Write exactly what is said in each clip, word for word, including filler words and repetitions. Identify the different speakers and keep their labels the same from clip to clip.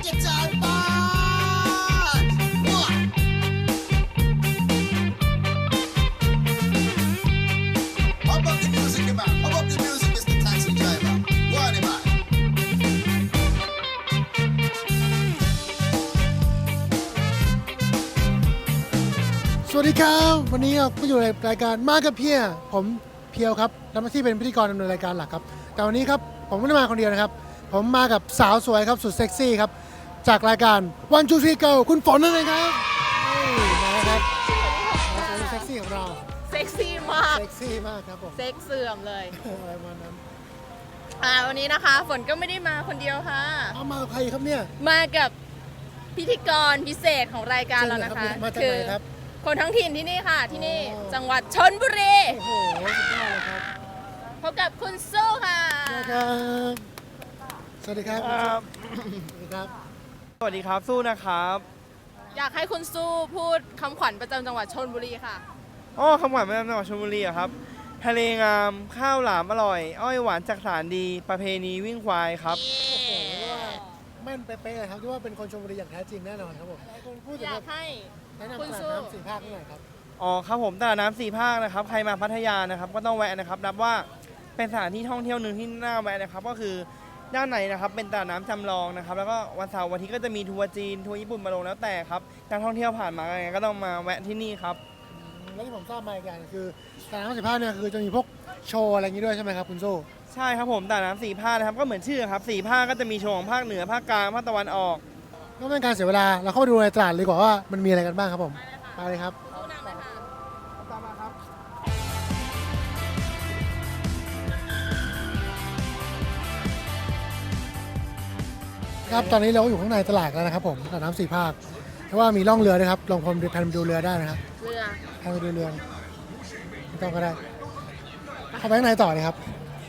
Speaker 1: your time back. What? How about the music, man? How about the music, Mister Taxi Driver? Go on, man.
Speaker 2: สวัสดีครับวันนี้เราก็อยู่ในรายการมากับเพียผมเพียวครับทำหน้าที่เป็นพิธีกรดำเนินรายการหลักครับแต่วันนี้ครับผมไม่ได้มาคนเดียวนะครับผมมากับสาวสวยครับสุดเซ็กซี่ครับจากรายการ One Two Three Go คุณฝนนั่นเองครับนี่มาแล้วครับสาวสวยเซ็กซี่ของเรา
Speaker 3: เซ็กซี่มาก
Speaker 2: เซ็กซี่มากครับผม
Speaker 3: เซ็กเสื่อมเลย
Speaker 2: อะไรประมาณนั้น
Speaker 3: อ่าวันนี้นะคะฝนก็ไม่ได้มาคนเดียวค่ะ
Speaker 2: เอามากับใครครับเนี่ย
Speaker 3: มากับพิธีกรพิเศษของรายการเรานะคะ
Speaker 2: มาจากไหนครับ
Speaker 3: คนท้องถิ่นที่นี่ค่ะ ที่นี่
Speaker 2: อ๋อ
Speaker 3: จังหวัดชลบุรี
Speaker 2: โอ้โหสุดยอดเลยครับ
Speaker 3: พบกับคุณสู้ค่ะ
Speaker 2: สวัสดีครับสวัสดีครับ
Speaker 4: ครับ
Speaker 2: สวัสดีครับ
Speaker 4: สวัสดีครับสู้นะครับ
Speaker 3: อยากให้คุณสู้พูดคำขวัญประจำจังหวัดชลบุรีค่ะ
Speaker 4: อ๋อคำหวานประจำจังหวัดชลบุรีอะครับทะเลงามข้าวหลามอร่อย อ้อยหวานจากสารดี ประเพณีวิ่งควายครับ
Speaker 2: โอ้โหเรียกว่าแม่นเป๊ะๆเลยครับที่ว่าเป็นคนชลบุรีอย่างแท้จริงแน่นอนครับผมคุณพูดถึ
Speaker 3: อง ยากให้
Speaker 2: แนะนำ
Speaker 3: คุณ
Speaker 2: ตลาด
Speaker 3: สู้
Speaker 2: น้ำสี่ภาคหน่อยครับ
Speaker 4: อ๋อครับผมตลาดน้ำสี่ภาคนะครับใครมาพัทยานะครับก็ต้องแวะนะครับนับว่าเป็นสถานที่ท่องเที่ยวหนึ่งที่น่าแวะนะครับก็คือด้านในนะครับเป็นตลาดน้ำจำลองนะครับแล้วก็วันเสาร์วันอาทิตย์ก็จะมีทัวร์จีนทัวร์ญี่ปุ่นมาลงแล้วแต่ครับนักท่องเที่ยวผ่านมาไงก็ต้องมาแวะที่นี่ครับ
Speaker 2: แล้วที่ผมทราบมาอีกอย่างคือตลาดน้ำสี่ภาคเนี่ยคือจะมีพวกโชว์อะไรอย่างนี้ด้วยใช่ไหมครับคุณโซ่
Speaker 4: ใช่ครับผมตลาดน้ำสี่ภาคนะครับก็เหมือนชื่อครับสี่ภาคก็จะมีโชว์ของภาคเหนือภาคกลางภาคตะวันออก
Speaker 2: ก็ไม่เป็นการเสียเวลาเราเข้าไปดูในตลาดเลยดีกว่าว่ามันมีอะไรกันบ้างครับผมไปเลยครับ
Speaker 3: สู้นำเลยค่ะ
Speaker 4: ตามมาครับ
Speaker 2: ครับตอนนี้เราก็อยู่ข้างในตลาดแล้วนะครับผมตลาดน้ำสี่ภาคเพราะว่ามีล่องเรือด้วยครับลองพรมแพนไปดูเรือได้นะครับ
Speaker 3: เรือ
Speaker 2: แพนไปดูเรือไม่ต้องก็ได้เข้าไปข้างในต่อเลยครับ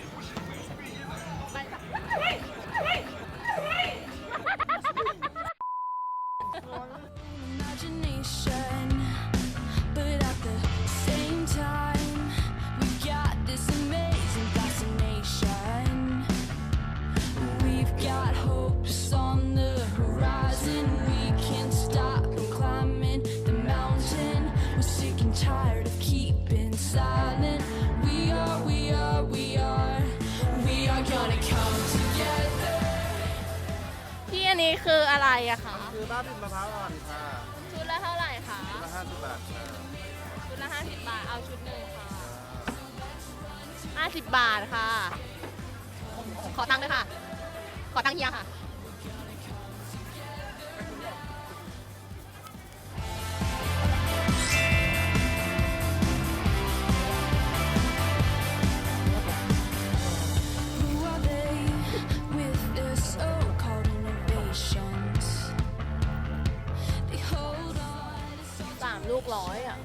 Speaker 5: imagination, but at the same time, we got this amazing fascination. We've got hopes on the horizon. We can't stop from climbing the mountain. We're sick and tired of keeping silent. We are, we are, we are, we are gonna come together.
Speaker 3: ที่อันนี้คืออะไรอะคะ
Speaker 4: คือบ้าบินมะพร้าวอ่อนค่ะ
Speaker 3: ชุดละเท่าไหร่คะ
Speaker 4: ละห้าสิบบาทค่ะ
Speaker 3: ชุดละห้าสิบบาท เอาชุดหนึ่งค่ะห้าสิบบาทค่ะ ขอตังค์ด้วยค่ะ ขอตังค์เฮียค่ะ
Speaker 5: Who are they with their so-called innovations? They hold on to
Speaker 3: สามลูกร้อยอ่ะ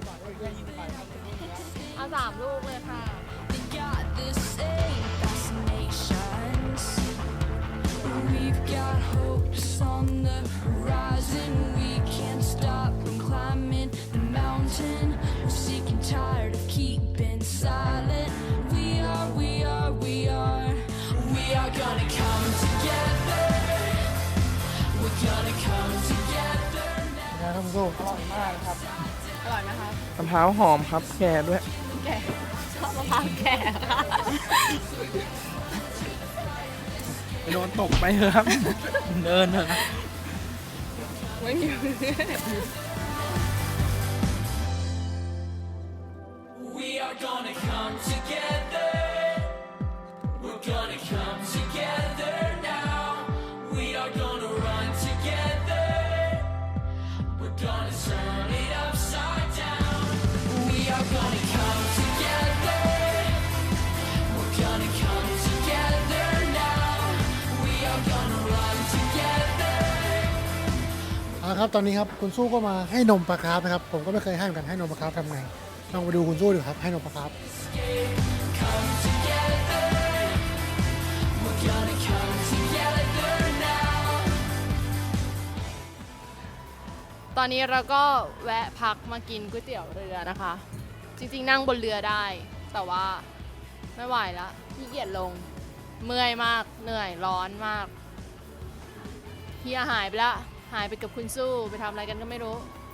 Speaker 3: เอาสามลูกเลยค่ะ
Speaker 5: they got the same fascinations. We've got hopes on the horizon. We can't stop from climbing the mountain. We're sick and tired of keeping silent. We are, we are, we are, we are gonna come together. We're gonna come together.
Speaker 2: นะครับคุณโซ่
Speaker 3: อร่อยไหมคะ
Speaker 4: มะพร้าวหอมครับแก่ด้วย
Speaker 3: แก่ชอบมะพร้าวแก่ค่ะ
Speaker 4: ไปโดนตกไปเถอะครับ เดินเถอะครับ
Speaker 3: ไม่มี
Speaker 5: We are gonna come together. We're gonna come together now. We are gonna run together. We're gonna turn it upside down. We are gonna come together. We're gonna come together now. We are gonna run together.
Speaker 2: เอาละครับตอนนี้ครับคุณสู้ก็มาให้นมปลาคาร์ฟนะครับผมก็ไม่เคยให้เหมือนกันให้นมปลาคาร์ฟทำไงลองไปดูคุณสู้ดูครับให้นมปลาคาร์ฟ
Speaker 5: Come together. We're gonna come together now.
Speaker 3: ตอนนี้เราก็แวะพักมากินก๋วยเตี๋ยวเรือนะคะ จริงๆนั่งบนเรือได้ แต่ว่าไม่ไหวแล้วขี้เกียจลง เมื่อยมาก เหนื่อย ร้อนมากเฮียหายไปละหายไปกับคุณสู้ไปทำอะไรกันก็ไม่รู้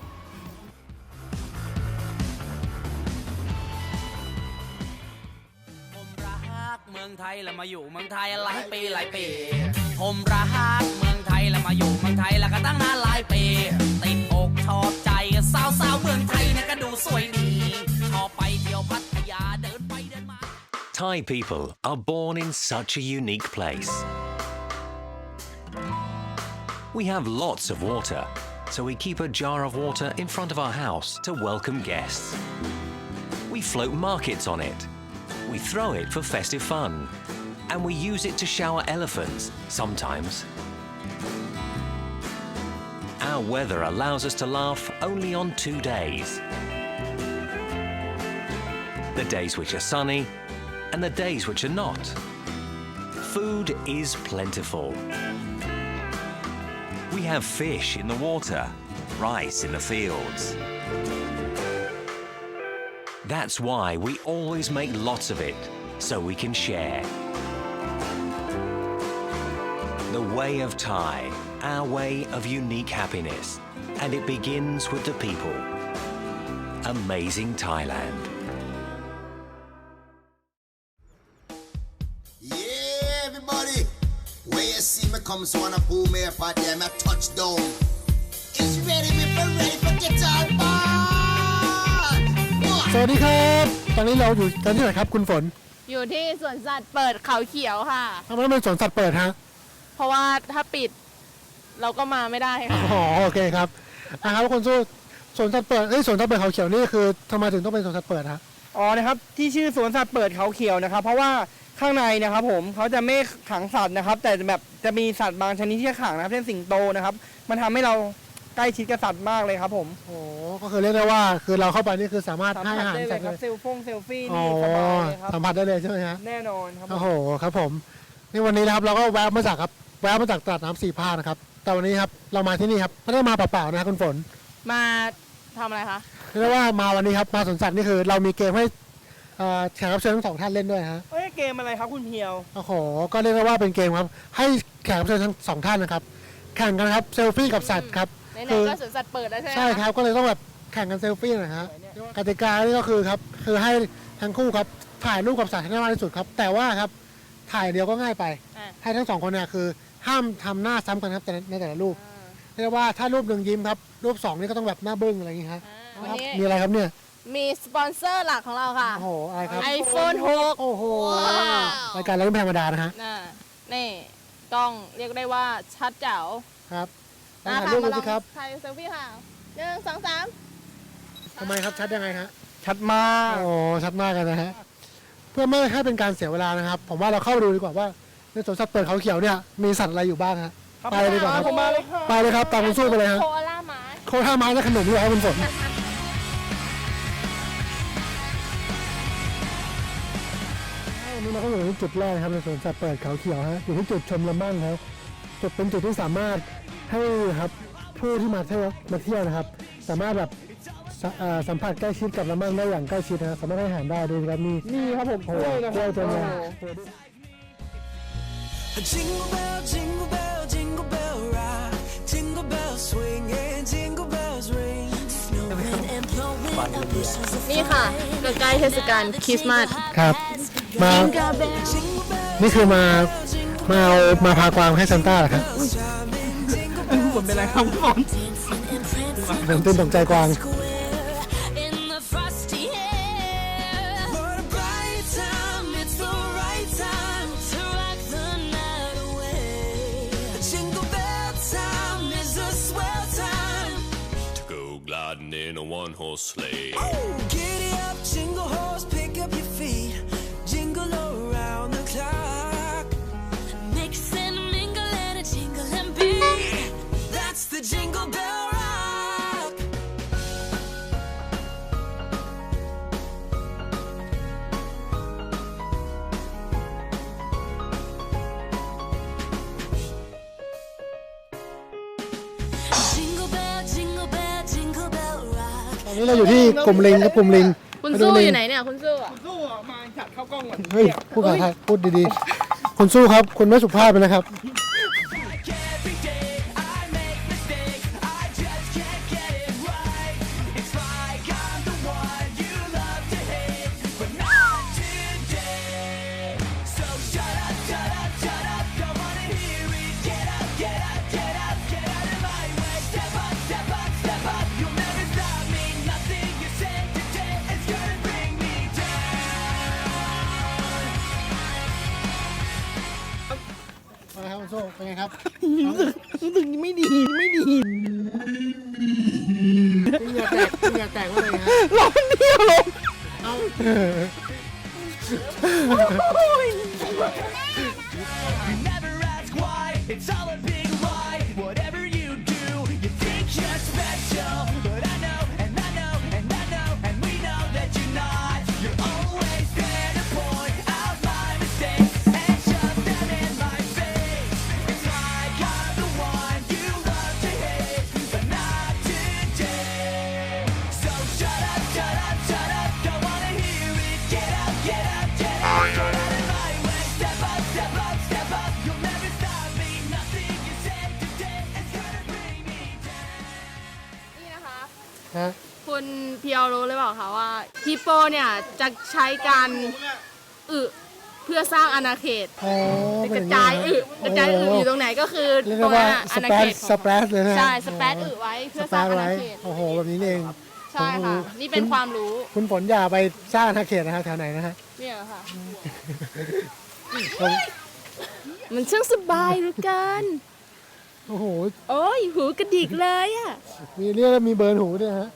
Speaker 6: ผมรักเมืองไทยแล้วมาอยู่เมืองไทยหลายปีหลายปีผมรักเมืองไทยแล้วมาอยู่เมืองไทยแล้วก็ตั้งนานหลายปีติดอกชอบใจสาวสาวๆเมืองไทยเนี่ยก็ดูสวยดีชอบไปเที่ยวพัทยาเดินไปเดินมา
Speaker 7: Thai people are born in such a unique place. We have lots of water, so we keep a jar of water in front of our house to welcome guests. We float markets on it. We throw it for festive fun. And we use it to shower elephants sometimes. Our weather allows us to laugh only on two days. The days which are sunny and the days which are not. Food is plentiful. We have fish in the water, rice in the fields. That's why we always make lots of it, so we can share. The way of Thai, our way of unique happiness, and it begins with the people. Amazing Thailand.
Speaker 1: Yeah, everybody. Where you see me come, so wanna pull me up out there, my touchdown. It's ready, me for ready for guitar band.
Speaker 2: สวัสดีครับตอนนี้เราอยู่กันที่ไหนครับคุณฝน
Speaker 3: อยู่ที่สวนสัตว์เปิดเขาเขียวค่ะ
Speaker 2: ทำไมต้องเป็นสวนสัตว์เปิดฮะ
Speaker 3: เพราะว่าถ้าปิดเราก็มาไม่ได้ค่ะ
Speaker 2: อ๋อโอเคครับอ่ะครับคุณสู้สวนสัตว์เปิดเอ้ยสวนสัตว์เปิดเขาเขียวนี่คือทำไมถึงต้องเป็นสวนสัตว์เปิดฮะ
Speaker 4: อ๋อนะครับที่ชื่อสวนสัตว์เปิดเขาเขียวนะครับเพราะว่าข้างในนะครับผมเขาจะไม่ขังสัตว์นะครับแต่แบบจะมีสัตว์บางชนิดที่จะขังนะครับเช่นสิงโตนะครับมันทำให้เราใกล้ชิดกับสัตว์มากเลยครับผม
Speaker 2: โอ้ก็คือเรียกได้ว่าคือเราเข้าไปนี่คือสามารถ
Speaker 4: สัม
Speaker 2: ให้
Speaker 4: ผั
Speaker 2: อา
Speaker 4: ส
Speaker 2: หาร
Speaker 4: ได้เล
Speaker 2: สัต
Speaker 4: ย
Speaker 2: ว์
Speaker 4: ค
Speaker 2: เล
Speaker 4: รับ
Speaker 2: ย
Speaker 4: เซลฟงเซลฟี่
Speaker 2: อ๋อ
Speaker 4: นี่สบายเลยครับ
Speaker 2: สัมผัสได้เลยใช่ไหมฮะ
Speaker 4: แน่นอนครับผม
Speaker 2: โอ้โหครับผมนี่วันนี้นะครับเราก็แวะมาจากครับแวะมาจากตลาดน้ำสี่ภาคนะครับแต่วันนี้ครับเรามาที่นี่ครับไม่ได้มาเปล่าๆนะครับคุณฝน
Speaker 3: มาทำอะไรคะ
Speaker 2: เรียกได้ว่ามาวันนี้ครับมาสวนสัตว์นี่คือเรามีเกมให้เอ่อแขกรับเชิญทั้งสองท่านเล่นด้วยฮะ
Speaker 4: เอ้ยเกมอะไรครับคุณเพียว
Speaker 2: โอ้โหก็เรียกได้ว่าเป็นเกมครับให้แขกรับเชิญทั้งสองท่านนะครับแข่งกันครับเซลฟี่กับสัตว์ครับ
Speaker 3: ไหน
Speaker 2: คือ
Speaker 3: ๆก็สวนสัตว์เปิดแล้วใช่ไหมะ
Speaker 2: ใช่ครับก็เลยต้องแบบแข่งกันเซลฟี่หนะฮะกติกานี่ก็คือครับคือให้ทั้งคู่ครับถ่ายรูปกับสัตว์ให้ได้มากที่สุดครับแต่ว่าครับถ่ายเดียวก็ง่ายไป
Speaker 3: อ่ะ
Speaker 2: ให้ทั้งสองคนเนี่ยคือห้ามทำหน้าซ้ำกันครับแต่ในแต่ละรูป
Speaker 3: อ่า
Speaker 2: เรียกว่าถ้ารูปหนึ่งยิ้มครับรูปสองนี่ก็ต้องแบบหน้าบึ้งอะไรอย่างงี้ครับ
Speaker 3: อ่าวันนี้
Speaker 2: มีอะไรครับเนี่ย
Speaker 3: มีสปอนเซอร์หลักของเราค่ะ
Speaker 2: โอ้โหอะไรครับ
Speaker 3: iPhone หก
Speaker 2: โอ้โห
Speaker 3: ว้าว
Speaker 2: รายการเราไม่ธรรมดานะฮะ
Speaker 3: น่ะนี่กล้องเรียกได้ว่าชัดแจ๋ว
Speaker 2: ครับลอง
Speaker 3: นะ
Speaker 2: ถ่าย
Speaker 3: คะ
Speaker 2: รูป
Speaker 3: มา
Speaker 2: ดู
Speaker 3: ลอ
Speaker 2: สิ
Speaker 3: ง
Speaker 2: ครับ
Speaker 3: ถ่ายเซลฟี่ค่ะหนึ่งสองสาม
Speaker 2: ทำไมครับชัดยังไงฮะ
Speaker 4: ชัดมาก
Speaker 2: โอ้ชัดมากกันนะฮะเพื่อไม่ให้เป็นการเสียเวลานะครับ ผมว่าเราเข้าไปดูดีกว่าว่าในสวนสัตว์เปิดเขาเขียวเนี่ยมีสัตว์อะไรอยู่บ้างฮะ
Speaker 4: ครับ
Speaker 2: ไปเลยดีกว่าครับ
Speaker 4: ผมมาเลยค่ะ
Speaker 2: ไปเลยครับตามคุณสู้ไปเลยฮะ
Speaker 3: โคอาล่าหมา
Speaker 2: โคท่าไม้และขนมด้วยครับคุณฝนวันนี้เราก็อยู่ที่จุดแรกนะครับในสวนสัตว์เปิดเขาเขียวฮะอยู่ที่จุดชมลำบ้างครับจุดเป็นจุดที่สามารถให้ครับผู้ที่มาเที่ยวมาเที่ยวนะครับ สามารถแบบสเอ่อสัมผัสใกล้ชิดกับลำบ้างได้อย่างใกล้ชิดนะสามารถให้อาหารได้ดูครับมี
Speaker 4: นี่ครับผม
Speaker 2: โอ้
Speaker 4: ก
Speaker 2: โห
Speaker 4: ล้วยนะ
Speaker 2: กล้วยเต็มเลย
Speaker 5: Jingle bell, jingle bell, jingle bell rock. Jingle bells swing and jingle bells ring. Snowing and blowing up bushels of
Speaker 3: นี่ค่ะใกล้ๆเทศกาลคริสต์มาส
Speaker 2: ครับ มา
Speaker 5: jingle bells.
Speaker 2: นี่คือมามาเอามาพากวางให้ซันต้าเหรอครับ
Speaker 5: Chiming jingle
Speaker 4: ผมเป็นไรครับผม
Speaker 5: dancing and prancing
Speaker 2: ผมตื่นตกใจกวาง
Speaker 5: square in the frosty air. What a bright time! It's the right time to rock the night away. Jingle bell time is a swell time.
Speaker 8: to go gliding in a one-horse sleigh.
Speaker 5: Oh, giddy up, jingle horse, pick up your feet, jingle around the clock. Mix and mingle and a jingle and beat. That's the jingle bell rock. Jingle bell, jingle bell, jingle bell rock.
Speaker 2: ตอนนี้เราอยู่ที่กลุ่มลิงครับกลุ่มลิง
Speaker 3: คุณ
Speaker 2: มาดู
Speaker 3: สู้
Speaker 2: ลิง
Speaker 3: อยู่ไหนเนี่ยคุณสู้อะ
Speaker 4: สู้อ่ะมาจัดเข้ากล้องก่อน
Speaker 2: เฮ้ยพูดภาษาไทยพูดดีๆ คุณสู้ครับ คุณไม่สุภาพเลยนะครับ
Speaker 5: Every day I
Speaker 2: คุณโซ่เป็นไงครับ
Speaker 4: รู้สึกรู้สึกไม่ดีไม่ดี
Speaker 2: เหงื่อแตกเหงื่อแตกว่าเลยฮะ
Speaker 4: ร้อนเดียวลง
Speaker 2: เอา
Speaker 5: Never ask why, it's all a big lie. Whatever you do, you think you're special. But I know, and I know, and I know, and we know that you're not. You're always there to point out my mistakes and shove them in my face. It's like I'm the one you love to hate, but not today. So shut up, shut up, shut up, don't wanna hear it. Get up, get up, get up, get out of my way. Step up, step up, step up. You'll never stop me. Nothing you say today is gonna bring me down.
Speaker 3: นี่นะคะ
Speaker 2: ฮะ
Speaker 3: คุณเพียวรู้หรือเปล่าคะว่าฮิปโปเนี่ยจะใช้การอึเพื่อสร้างอาณาเขต
Speaker 2: โอ้
Speaker 3: ก
Speaker 2: เป็น
Speaker 3: ระ
Speaker 2: อย่าง
Speaker 3: จาย
Speaker 2: นี้
Speaker 3: อึ
Speaker 2: นะ
Speaker 3: กระจายอึอยู่ตรงไหนก็คือ
Speaker 2: เรียก
Speaker 3: ตร
Speaker 2: ได้
Speaker 3: งนั้
Speaker 2: ว่าน
Speaker 3: อะ
Speaker 2: ส
Speaker 3: อาณา
Speaker 2: เป
Speaker 3: เข
Speaker 2: ซ
Speaker 3: ต
Speaker 2: สเปซเลยนะ
Speaker 3: ใช่สเปซอึไว้เพื่อ
Speaker 2: ส
Speaker 3: ส
Speaker 2: เป
Speaker 3: ร้าง
Speaker 2: ซ
Speaker 3: อา
Speaker 2: ไว้
Speaker 3: ณาเขต
Speaker 2: โอ้โหแบบนี้นี่เอง
Speaker 3: ใช่ค่ะ นี่เป็นความรู้
Speaker 2: คุณฝนอย่าไปสร้างอาณาเขตนะฮะแถวไหนนะฮะ
Speaker 3: เนี่ยค่ะ
Speaker 2: ผม
Speaker 3: มันช่างสบายเหลือเกิน
Speaker 2: โอ้โห
Speaker 3: โอ้ยหูกระดิกเลยอ่ะ
Speaker 2: มีเรียกว่ามีเบิร์นหูด้วยฮะ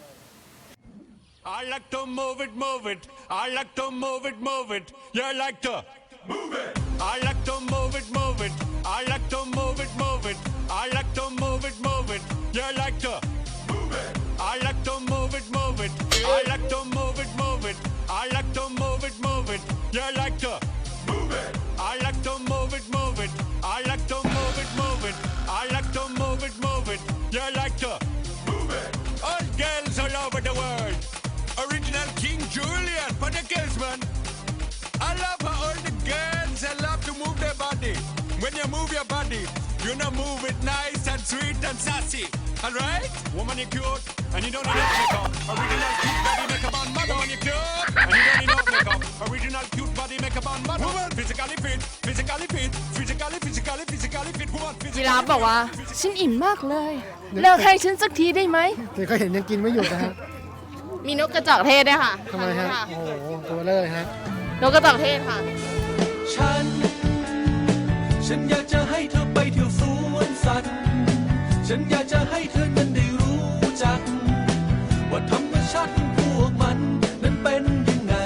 Speaker 8: I like to move it, move it. I like to move it, move it. You like to move it. I like to move it, move it. I like to move it, move it. I like to move it, move it. You like to move it. I like to move it, move it. I like to move it, move it. I like to move it, move it. You like to move it. I like to move it, move it. I like to move it, move it. I like to move it, move it. You like to move it. All girls all over the world. Original King Julian for the girls, man. I love how all the girls they love to move their body. When you move your body, you know move it nice and sweet and sassy. Alright? Woman, you cute, and you don't need no makeup. Original cute body makeup on mother. Woman, you cute, and you don't need no makeup. Original cute body makeup on mother. Woman, physically fit, physically fit, physically, physically, physically fit. Woman,
Speaker 3: จิราฟบอกว่า ฉันอิ่มมากเลย เลิกให้ฉันสักทีได้ไหม
Speaker 2: เดี๋ยวก็เห็นยังกินไม่หยุดนะฮะ
Speaker 3: มีนกกระจอกเทศด้วยค่ะ
Speaker 2: ทำไมฮะ
Speaker 3: ค่ะ
Speaker 2: โอ้โห ตัวเลยฮะ
Speaker 3: นกกระจอกเทศค่ะ
Speaker 5: ฉัน ฉันอยากจะให้เธอไปเที่ยวสวนสัตว์ ฉันอยากจะให้เธอนั้นได้รู้จัก ว่าธรรมชาติของพวกมันนั้นเป็นยังไง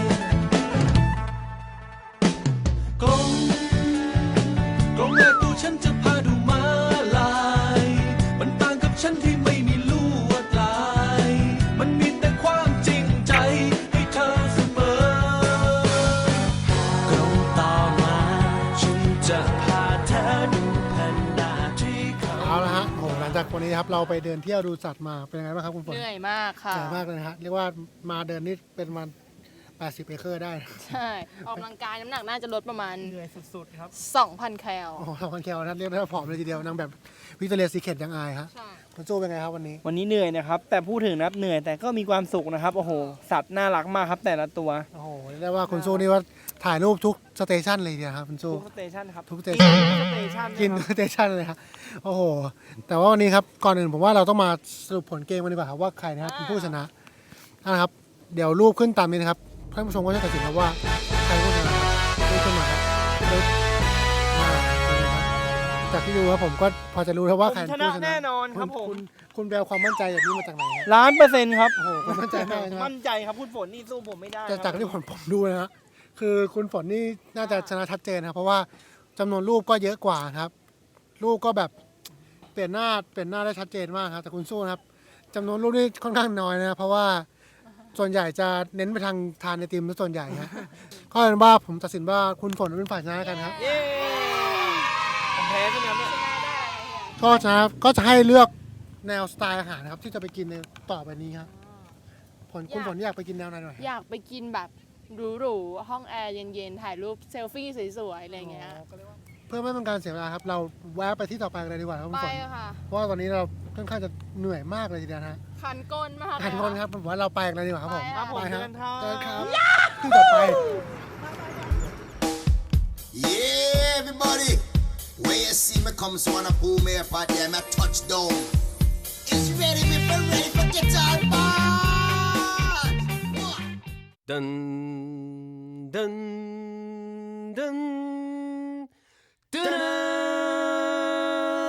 Speaker 5: กลงกลงแรกตัวฉันจะพาดูม้าลาย มันต่างกับฉันที่ไม่มีลวดลาย มันมีแต่ความจริงใจให้เธอเสมอ กลงต่อมาฉันจะพาเธอดูแผ่นดาที่เขา
Speaker 2: เอาละฮะโอ้โหหลังจากวันนี้ครับเราไปเดินเที่ยวดูสัตว์มาเป็นยังไงบ้างครับคุณฝน
Speaker 3: เหนื่อยมากค่ะ
Speaker 2: เหนื่อยมากเลยนะฮะเรียกว่ามาเดินนี่เป็นมันแปดสิบเอเคอร์ได้นะ
Speaker 3: ใช่ ออกกำลังกายน้ำหนักน่าจะลดประมาณ
Speaker 4: เหนื่อยสุดๆครับ
Speaker 3: สองพัน แคล
Speaker 2: โอ้โหทำคอนแคลนะเรียกได้ว่าผอมเลยทีเดียวนางแบบวิกตอเรียซีเคทยังอายฮะ
Speaker 3: ใช่
Speaker 2: คุณโจ้เป็นไงครับวันนี้
Speaker 4: วันนี้เหนื่อยนะครับ แต่พูดถึงนะครับเหนื่อยแต่ก็มีความสุขนะครับ โอ้โห สัตว์น่ารักมากครับแต่ละตัว
Speaker 2: โอ้โหเรียกได้ว่าคุณโจ้นี่ว่าถ่ายรูปทุกสเตชันเลยทีเดียวครับคุณโจ้
Speaker 4: ทุกสเตชันครับ
Speaker 2: ทุกสเตชัน
Speaker 4: ทุกสเตชัน
Speaker 2: กิน
Speaker 4: นะ
Speaker 2: ทุ
Speaker 4: ครับ
Speaker 2: กสเตชันเลยครับโอ้โห แต่ว่าวันนี้ครับก่อนอื่นผมว่าเราต้องมาสรุปผลเกมกันดีกว่าครับว่าใครนะครับเป็นผู้ชนะนะครับเดี๋ยวรูปขึ้นตามนี้นะครับท่านผู้ชมก็จะตัดสินครับว่าใครผู้ชนะครับรูปขึ้นมาครับรูปมาเลยครับจากที่ดูครับผมก็พอจะรู้แล้วว่าใคร
Speaker 4: ผม
Speaker 2: เป็น
Speaker 4: ชนะ
Speaker 2: ผู้ชนะ
Speaker 4: แน่นอนครับผม
Speaker 2: ณคุณแปลความมั่นใจแบบนี้มาจากไหนครับ
Speaker 4: ล้านเปอร์เซ็นต์ครับ
Speaker 2: โอ้โหคุณมั่นใจมากเลยใช่ไหม
Speaker 4: มั่นใจครับคุณฝนนี่สู้ผมไม่ได้
Speaker 2: แต่
Speaker 4: ครับ
Speaker 2: จากที่ผมผมดูนะฮะคือคุณฝนนี่น่าจะชนะชัดเจนนะครับเพราะว่าจำนวนรูปก็เยอะกว่าครับ รูปก็แบบเปลี่ยนหน้าเปลี่ยนหน้าได้ชัดเจนมากครับแต่คุณสู้นะครับจำนวนรูปนี่ค่อนข้างน้อยนะเพราะว่าส่วนใหญ่จะเน้นไปทางทานไอติมซะส่วนใหญ่ฮะก็เป็นว่าผมตัดสินว่าคุณฝนเป็นฝ่ายชนะกันครับ
Speaker 4: เย้ผมแพ้ใช่ไหมครับเนี่ย
Speaker 2: ก็จะก็จะให้เลือกแนวสไตล์อาหารนะครับที่จะไปกินในต่อไปนี้ครับผลคุณฝนอยากไปกินแนวไหนหน่อย
Speaker 3: อยากไปกินแบบหรูๆ ห้องแอร์เย็นๆ ถ่ายรูปเซลฟี่สวยๆ อะไรอย่างเงี้ย
Speaker 2: เพื่อไม่เป็นการเสียเวลาครับเราแวะไปที่ต่อไปกันเลยดีกว่าครับคุณ
Speaker 3: ไป
Speaker 2: ฝน
Speaker 3: ค่ะ
Speaker 2: เพราะว่าตอนนี้เราค่อนข้างจะเหนื่อยมากเลยทีเดียวนะฮะ
Speaker 3: คันก้นมาก
Speaker 2: ทุกคนครับผมว่าเราไปกันเลยดีกว่าครับผม
Speaker 3: ไปค่ะ
Speaker 2: ไปครับ
Speaker 4: ครับผม
Speaker 2: เจอกันครับที่ต่อไป
Speaker 1: Yeah, everybody. When you see me come, so wanna pull me up out there, my touchdown. It's ready, me for ready for get all ball.
Speaker 9: Dun dun dun dun.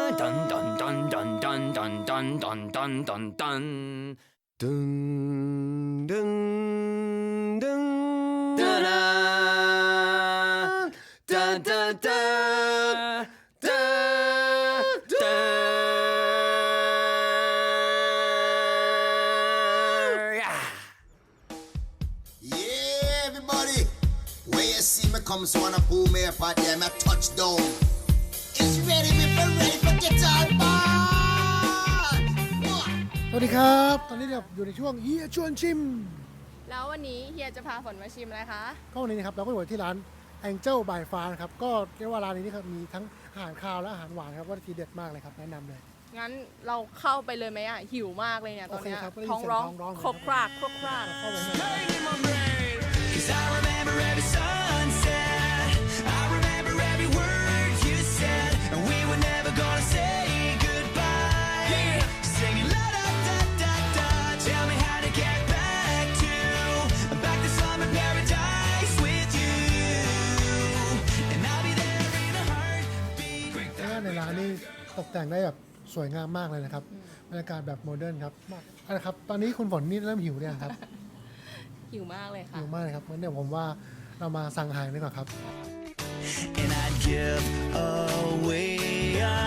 Speaker 9: dun dun dun dun dun dun dun dun dun dun dun dun dun dun da da da da da da da.
Speaker 1: Yeah, everybody. Where you see me come, so wanna pull me up out there, my touchdown. It's ready, me for ready for get all bad.
Speaker 2: สวัสดีครับตอนนี้เราอยู่ในช่วงเฮียชวนชิม
Speaker 3: แล้ววันนี้เฮียจะพาฝนมาชิมอะไรคะ
Speaker 2: ก็วันนี้นะครับเราก็อยู่ที่ร้าน Angel by Far นะครับก็เรียกว่าร้านนี้นี่ครับมีทั้งอาหารคาวและอาหารหวานครับว่าทีเด็ดมากเลยครับแนะนำเลย
Speaker 3: งั้นเราเข้าไปเลยไหมอ่ะ หิวมากเลยเนี่ยตอนเนี้ย
Speaker 2: โอเคครับได้ยิน
Speaker 3: ท้องร้อง
Speaker 2: เสียงท้องร้อง
Speaker 3: ครกครากครกคราก
Speaker 2: เข้าไปเลย
Speaker 5: Cause I remember every sunset. I remember every word you said. And we were never gonna say goodbye. Singing la da da da da. Tell me how to get back to back to summer paradise with you. And I'll be there in a heartbeat.
Speaker 2: แล้วก็ในร้านนี่ตกแต่งได้แบบสวยงามมากเลยนะครับบรรยากาศแบบโมเดิร์นครับเอาละครับตอนนี้คุณฝนนี่เริ่มหิวเนี่ยงครับ
Speaker 3: หิวมากเลยค่ะ
Speaker 2: หิวมากเลยครับงั้นเดี๋ยวผมว่าเรามาสั่งอาหารดีกว่าครับ
Speaker 5: And I'd give away a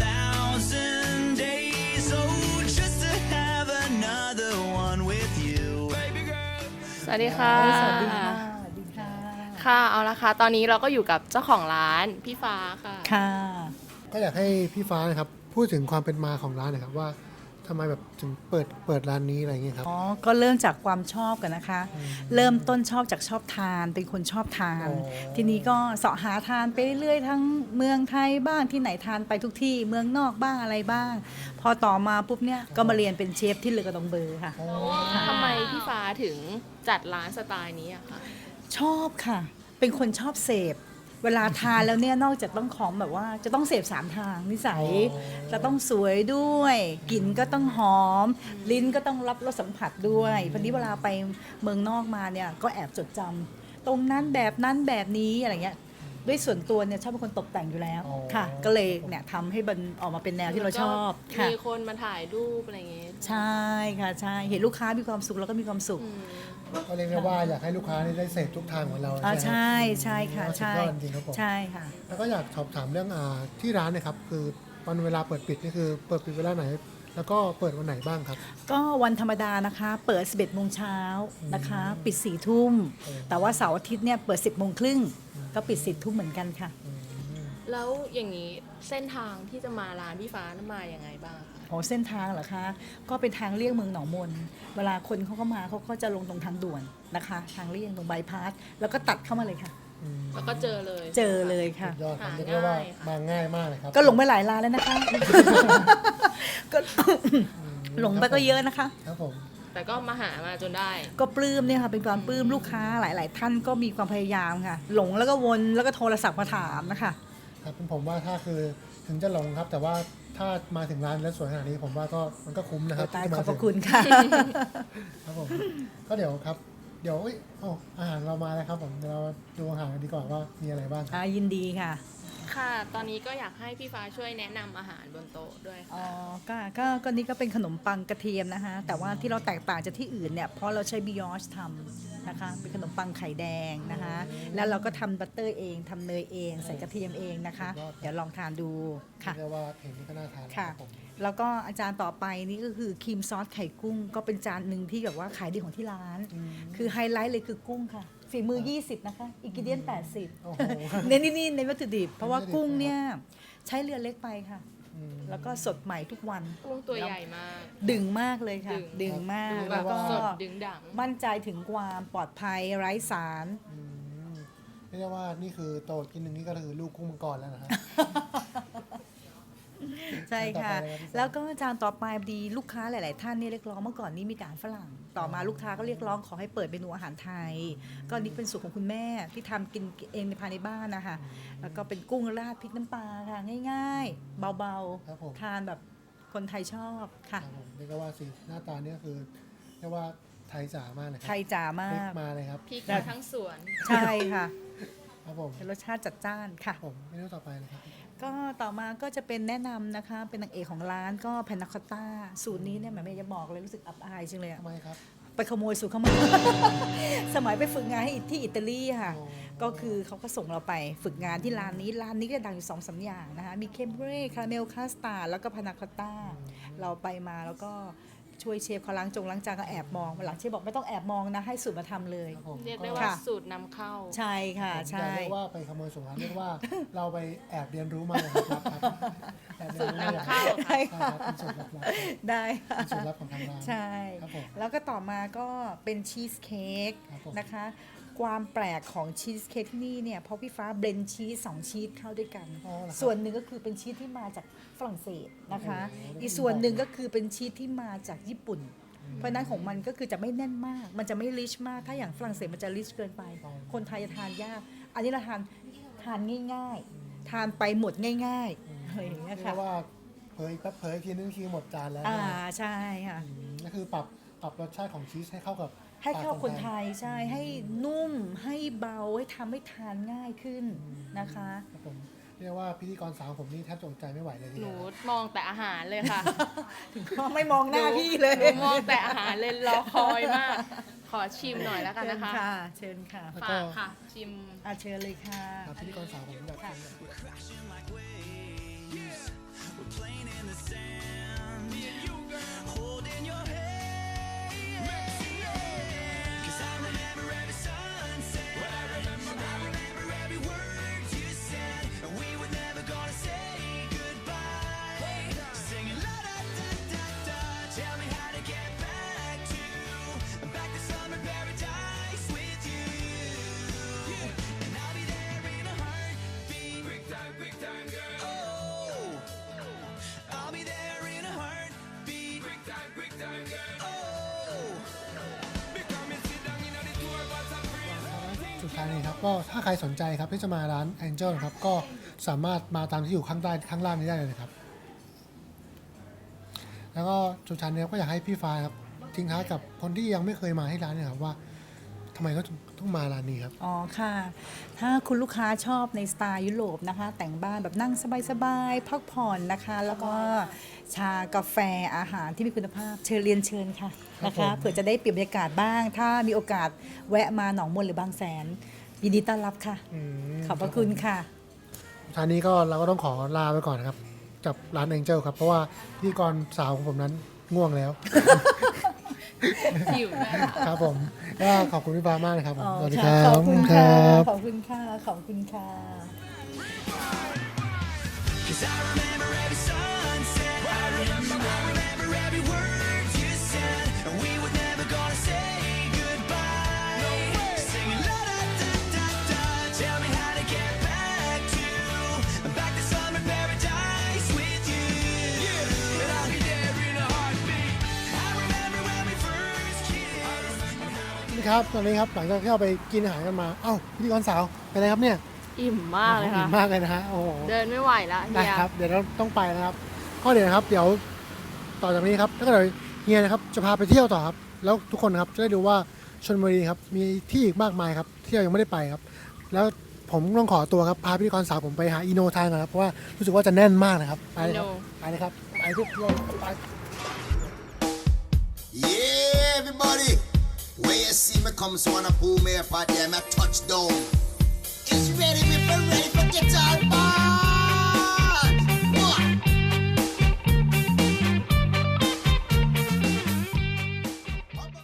Speaker 5: thousand days, oh, just to have another one with you. Baby girl.
Speaker 3: สวัสดีค่ะ
Speaker 10: สวัสดีค่ะ สวัสดีค่ะ
Speaker 3: ค่ะ เอาละค่ะ ตอนนี้เราก็อยู่กับเจ้าของร้านพี่ฟ้าค่ะ
Speaker 10: ค่ะ
Speaker 2: ก็อยากให้พี่ฟ้านะครับพูดถึงความเป็นมาของร้านหนะครับว่าทำไมแบบถึงเปิดเปิดร้านนี้อะไรอย่างเงี้ยครับ
Speaker 10: อ๋อ ก็เริ่มจากความชอบกันนะคะ เริ่มต้นชอบจากชอบทาน เป็นคนชอบทาน
Speaker 2: อ๋อ
Speaker 10: ทีนี้ก็เสาะหาทานไปเรื่อยๆ ทั้งเมืองไทยบ้างที่ไหนทานไปทุกที่ เมืองนอกบ้างอะไรบ้าง พอต่อมาปุ๊บเนี่ย ก็มาเรียนเป็นเชฟที่เลอกระดองเบอร์ค่ะ
Speaker 3: ทำไมพี่ฟ้าถึงจัดร้านสไตล์นี้อะคะ
Speaker 10: ชอบค่ะ เป็นคนชอบเสพ เวลาทานแล้วเนี่ยนอกจากต้องของแบบว่าจะต้องเสพสามทางนิสัย จะต้องสวยด้วยกลิ่นก็ต้องหอม ลิ้นก็ต้องรับรสสัมผัสด้วยพอดีเวลาไปเมืองนอกมาเนี่ยก็แอบจดจำตรงนั้นแบบนั้นแบบนี้อะไรเงี้ยด้วยส่วนตัวเนี่ยชอบเป็นคนตกแต่งอยู่แล้ว
Speaker 2: อ๋อ
Speaker 10: ค่ะ ก็เลยเนี่ยทำให้มันออกมาเป็นแนวที่เราชอบค่ะ
Speaker 3: มีคนมาถ่ายรูปอะไรอย่างเงี้ย
Speaker 10: ใช่ค่ะใช่เห็นลูกค้ามีความสุขแล้วก็มีความสุข
Speaker 3: อืม
Speaker 2: ก็เรียกได้ว่าอยากให้ลูกค้านี่ได้เสพทุกทางของเรา
Speaker 10: อ่า
Speaker 2: ใช่ไหม
Speaker 10: ใช่ใช่ค่ะ
Speaker 2: สุด
Speaker 10: ใช่
Speaker 2: ยอดจริงๆครับผม
Speaker 10: ใช่ค่ะ
Speaker 2: แล้วก็อยากสอบถามเรื่องอาที่ร้านเนะครับคือวันเวลาเปิดปิดนี่คือเปิดปิดเวลาไหน แล้วก็เปิดวันไหนบ้างครับ
Speaker 10: ก็วันธรรมดานะคะ เปิด สิบเอ็ดโมงเช้านะคะ ปิด สี่ทุ่ม แต่ว่าเสาร์อาทิตย์เนี่ยเปิด สิบโมงครึ่งก็ปิด สิบทุ่มเหมือนกันค่ะ
Speaker 3: แล้วอย่างนี้เส้นทางที่จะมาร้านพี่ฟ้านั้นมาอย่างไงบ้างคะ
Speaker 10: อ๋อเส้นทางเหรอคะ ก็เป็นทางเลี่ยงเมืองหนองมน เวลาคนเขาก็มาเขาก็จะลงตรงทางด่วนนะคะ ทางเลี่ยงตรงบายพาสแล้วก็ตัดเข้ามาเลยค่ะ
Speaker 3: แล้วก็เจอเลย
Speaker 10: เจอเลยค่ะ
Speaker 2: สุดยอดครับ
Speaker 3: หา
Speaker 2: เรียกได้ว่า
Speaker 3: ง่ายค่ะ
Speaker 2: มาง่ายมากเลยครับ
Speaker 10: ก็หลงไปหลายร้านแล้วนะคะ ก็ หลงไปก็เยอะนะคะ
Speaker 2: ครับผม
Speaker 3: แต่ก็มาหามาจนได้
Speaker 10: ก็ปลื้มเนี่ยค่ะเป็นความปลื้มลูกค้าหลาย ๆ ท่านก็มีความพยายามค่ะ หลงแล้วก็วนแล้วก็โทรศัพท์มาถามนะคะ
Speaker 2: ครับผมว่าถ้าคือถึงจะหลงครับ แต่ว่าถ้ามาถึงร้านแล้วสวยขนาดนี้ผมว่าก็มันก็คุ้มนะครับ
Speaker 10: ตาย
Speaker 2: ที่
Speaker 10: ข
Speaker 2: มา
Speaker 10: อบพ
Speaker 2: ถึ
Speaker 10: ระ
Speaker 2: ง
Speaker 10: คุณค่ะ
Speaker 2: ครับผมก็เดี๋ยวครับ เดี๋ยวเอ้ยโอ้อาหารเรามาแล้วครับผมเดี๋ยวเราดูอาหารกันดีกว่าว่ามีอะไรบ้างครับ
Speaker 10: อ่ายินดีค่ะ
Speaker 3: ค่ะ ตอนนี้ก็อยากให้พี่ฟ้าช่วยแนะนำอาหารบนโต๊ะด้วย
Speaker 10: อ๋อ
Speaker 3: ค่ะ
Speaker 10: ก็ก็ก็นี่ก็เป็นขนมปังกระเทียมนะคะ แต่ว่าที่เราแตกต่างจากที่อื่นเนี่ย เพราะเราใช้บิยอชทำนะคะ เป็นขนมปังไข่แดงนะคะ แล้วเราก็ทำบัตเตอร์เองทำเนยเอง ใส่กระเทียมเองนะคะ เดี๋ยวลองทานดูค่ะ
Speaker 2: เรียกว่าเห็นนี่ก็น่าทานแล้ว
Speaker 10: ค่ะ
Speaker 2: ครับผม
Speaker 10: แล้วก็อาจารย์ต่อไปนี่ก็คือครีมซอสไข่กุ้ง ก็เป็นจานหนึ่งที่แบบว่าขายดีของที่ร้าน คือไฮไลท์เลยคือกุ้งค่ะ ฝีมือ ยี่สิบ นะคะอินกิเดียน แปดสิบ
Speaker 2: โอ้โห
Speaker 10: เน้นนี่ในวัตถุดิบ เพราะว่ากุ้งเนี่ยใช้เรือเล็กไปค่ะ
Speaker 2: อืม
Speaker 10: แล้วก็สดใหม่ทุกวัน
Speaker 3: กุ้งตัวใหญ่มาก
Speaker 10: ดึงมากเลยค่ะ
Speaker 3: ดึง
Speaker 10: ดึงมาก
Speaker 3: ดูแบ
Speaker 10: แล้
Speaker 3: บ
Speaker 10: วก็
Speaker 3: สดดึงดัง
Speaker 10: มั่นใจถึงความปลอดภัยไร้สาร
Speaker 2: อืมเรียกได้ว่านี่คือโตกินหนึ่งนี่ก็คือลูกกุ้งมังกรแล้วนะฮะ
Speaker 10: ใช่ค่ะ
Speaker 2: ต่อไปเลยครับพี่สาว
Speaker 10: แล้วก็จานต่อไปดีลูกค้าหลาย ๆ ท่านเนี่ยเรียกร้องเมื่อก่อนนี้มีแต่อาหารฝรั่ง ต่อมาลูกค้าก็เรียกร้องขอให้เปิดเมนูอาหารไทย ก็นี่เป็นสูตรของคุณแม่ที่ทำกินเองในภายในบ้านนะคะ แล้วก็เป็นกุ้งราดพริกน้ำปลาค่ะง่าย ๆ เบา
Speaker 2: ครับผม
Speaker 10: ๆ ทานแบบคนไทยชอบค่ะ
Speaker 2: ครับผมเรียกได้ว่าสีหน้าตาเนี่ยคือเรียกว่าไทยจ๋ามากเลยครั
Speaker 10: ไทยจ๋ามาก
Speaker 2: พริกมาเลยครับ
Speaker 3: พริกมาทั้งสวน
Speaker 10: ใช่ค่ะ
Speaker 2: ครับผม
Speaker 10: เป็นรสชาติจัดจ้านค่ะ
Speaker 2: ผมเมนูต่อไปเลยครับ
Speaker 10: ก็ต่อมาก็จะเป็นแนะนำนะคะเป็นนางเอกของร้านก็แพนนาคอตต้าสูตรนี้เนี่ยแหมไม่จะบอกเลยรู้สึกอับอายจังเลยอะ
Speaker 2: ทำไมครับ
Speaker 10: ไปขโมยสูตรเข้ามา สมัยไปฝึกงานให้ที่อิตาลีค่ะ ก็คือเขาก็ส่งเราไปฝึกงานที่ร้านนี้ร้านนี้ก็ดังอยู่สองสามอย่างนะคะมีเคมเบรคาราเมลคาสตาร์ดแล้วก็พานาคอตต้าเราไปมาแล้วก็ช่วยเชฟเขาล้างจงล้างจานก็แอบมองหลังเชฟบอกไม่ต้องแอบมองนะให้สูตรมาทำเลย
Speaker 2: ครับผม
Speaker 3: เรียกได้ว่า
Speaker 10: ค่ะ
Speaker 3: สูตรนำเข้า
Speaker 10: ใช่ค่ะ
Speaker 2: ผม
Speaker 10: ใช่
Speaker 2: จะเรียกว่าไปขโมยสูตรร้านเรียกว่าเราไปแอบเรียนรู้มาครับครับแอบเรียนรู้มาอย่าง
Speaker 3: สูตรนำเข้า
Speaker 2: ใช่ครับเป็นสูตรลับๆ
Speaker 10: ได้ค่ะ
Speaker 2: เป็นสูตรลับของทางร้าน
Speaker 10: ใช่
Speaker 2: ครับผม
Speaker 10: แล้วก็ต่อมาก็เป็นชีสเค้ก
Speaker 2: ครับผม
Speaker 10: นะคะ ความแปลกของชีสเค้กที่นี่เนี่ยเพราะพี่ฟ้าเบลนด์ชีสสองชีสเข้าด้วยกัน
Speaker 2: อ๋อเหรอครับ
Speaker 10: ส่วนหนึ่งก็คือเป็นชีสที่มาจากฝรั่งเศสนะคะ
Speaker 2: โอ้โห
Speaker 10: อีกส่วนหนึ่งก็คือเป็นชีสที่มาจากญี่ปุ่น เพราะฉะนั้นของมันก็คือจะไม่แน่นมาก มันจะไม่ริชมาก ถ้าอย่างฝรั่งเศสมันจะริชเกินไป คนไทยจะทานยาก อันนี้เราทานทานง่ายๆ ทานไปหมดง่ายๆอะไรอย่างเงี้ย
Speaker 2: เรีย
Speaker 10: ค่ะ
Speaker 2: กว่าเผยแป๊บเผยทีนึงทีหมดจานแล้ว
Speaker 10: อ่า
Speaker 2: นะ
Speaker 10: ใช่ค่ะ
Speaker 2: อืมก็คือปรับปรับรสชาติของชีสให้เข้ากับ
Speaker 10: ให้เข้า
Speaker 2: ปก
Speaker 10: คนไทยใช่ให้นุ่มให้เบาให้ทำให้ทานง่ายขึ้นนะคะ
Speaker 2: ครับผมเรียกว่าพิธีกรสาวผมนี่แทบจะอดใจไม่ไหวเลยที
Speaker 3: ห
Speaker 2: เดี
Speaker 3: นู
Speaker 2: ยว
Speaker 3: มองแต่อาหารเลยค่ะ
Speaker 10: ถึงก็ไม่มองหน้าพี่เลย
Speaker 3: หนูมองแต่อาหารเลยรอคอยมาก ขอชิมหน่อยแล้วกัน
Speaker 10: เชิญ
Speaker 3: นะคะ
Speaker 10: ค่ะ เชิญค่ะ
Speaker 2: แล้ว
Speaker 3: ฝา
Speaker 2: ก็
Speaker 3: กค่ะ ชิม
Speaker 10: อาเชิญเลยค่ะ
Speaker 2: ครับพิธีกรสาวผมแบบนี้ สุดท้ายนี้ครับก็ถ้าใครสนใจครับที่จะมาร้าน Angel นะครับก็สามารถมาตามที่อยู่ข้างใต้ข้างล่างนี้ได้เลยนะครับ แล้วก็สุดท้ายนี้ก็อยากให้พี่ฟ้าครับทิ้งท้ายกับคนที่ยังไม่เคยมาที่ร้านเนี่ยครับว่าทำไมเขาถึงต้องมาร้านนี้ครับ
Speaker 10: อ๋อค่ะ ถ้าคุณลูกค้าชอบในสไตล์ยุโรปนะคะ แต่งบ้านแบบนั่งสบายๆพักผ่อนนะคะ แล้วก็ชากาแฟอาหารที่มีคุณภาพเชิญเรียนเชิญค่ะนะ
Speaker 2: ครั
Speaker 10: คะ
Speaker 2: บผม
Speaker 10: เผื่อจะได้เปลี่ยนบรรยากาศบ้าง ถ้ามีโอกาสแวะมาหนองมนหรือบางแสน ยินดีต้อนรับค่ะ
Speaker 2: อืม
Speaker 10: ขอบพระคุณค่ะ
Speaker 2: สุดท้ายนี้ก็เราก็ต้องขอลาไปก่อนนะครับกับร้าน Angel ครับเพราะว่าพิธีกรสาวของผมนั้นง่วงแล้ว
Speaker 3: หิวด้วยค่ะ
Speaker 2: ครับผมก็ขอบคุณพี่ฟ้ามากนะครับผม
Speaker 10: อ๋อ
Speaker 2: สวัสดีค
Speaker 10: ค่ะ
Speaker 2: รับ
Speaker 10: ขอบคุณ
Speaker 2: ค
Speaker 10: ค่ะ
Speaker 2: รับ
Speaker 10: ขอบคุณค่ะ ขอบคุณค่ะ
Speaker 5: Cause I remember every sunset. I remember, I remember every word you said. And we were never gonna say goodbye. No way. Singing la da da da da. Tell me how to get back to, back to summer paradise with you. Yeah. And I'll be there in a heartbeat. I remember when we first kissed.
Speaker 2: นี่ครับตอนนี้ครับหลังจากที่เราไปกินอาหารกันมาเอ้าพิธีกรสาวเป็นไรครับเนี่ย
Speaker 3: อิ่มมากเลย
Speaker 2: อิ่
Speaker 3: ค่ะ
Speaker 2: มมากเลยนะฮะโอ้โห
Speaker 3: เดินไม่ไหวแล้ว
Speaker 2: ได้
Speaker 3: เฮีย
Speaker 2: ครับเดี๋ยวเราต้องไปนะครับข้อเดี๋ยวนะครับ เดี๋ยวต่อจากนี้ครับถ้าเกิดเฮียนะครับจะพาไปเที่ยวต่อครับแล้วทุกคนนะครับจะได้ดูว่าชลบุรีครับมีที่อีกมากมายครับที่เรายังไม่ได้ไปครับ แล้วผมต้องขอตัวครับพาพิธีกรสาวผมไปหาอีโนทานก่อนครับเพราะว่ารู้สึกว่าจะแน่นมากนะครับไปเลยครับไปเลยครับไปทุกคนไป
Speaker 1: Yeah, everybody. When you see me come, so wanna pull me up out there, my touchdown. It's ready me for